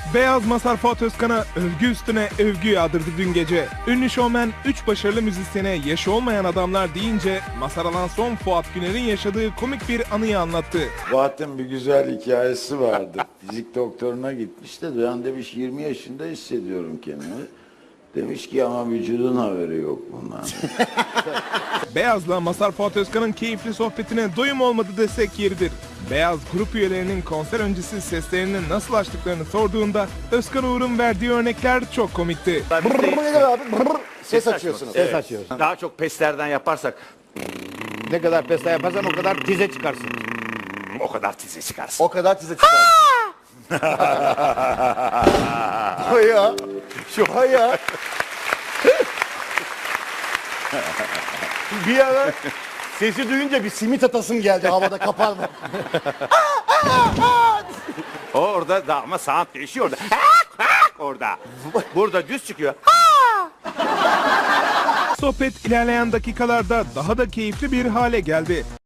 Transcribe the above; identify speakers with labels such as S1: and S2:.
S1: Beyaz Mazhar Fuat Özkan'a övgü üstüne övgü yağdırdı dün gece. Ünlü şovmen 3 başarılı müzisyene yaşı olmayan adamlar deyince Mazhar Alanson Fuat Güner'in yaşadığı komik bir anıyı anlattı.
S2: Fuat'ın bir güzel hikayesi vardı. Fizik doktoruna gitmiş de ben demiş 20 yaşında hissediyorum kendimi. Demiş ki ama vücudun haberi yok bundan.
S1: Beyaz'la Mazhar Fuat Özkan'ın keyifli sohbetine doyum olmadı desek yeridir. Beyaz grup üyelerinin konser öncesi seslerini nasıl açtıklarını sorduğunda Özkan Uğur'un verdiği örnekler çok komikti.
S3: Ses açıyorsunuz.
S4: Ses açıyoruz.
S3: Daha çok peslerden yaparsak
S4: Ne kadar pesta yaparsan o kadar tize çıkarsın.
S3: o kadar tize çıkarsın.
S5: O kadar tize çıkar. Haya. Şu haya. Bir ara sesi duyunca bir simit atasım geldi havada kaparma.
S3: Orada da ama sound değişiyor orada. Orada. Burada düz çıkıyor.
S1: Sohbet ilerleyen dakikalarda daha da keyifli bir hale geldi.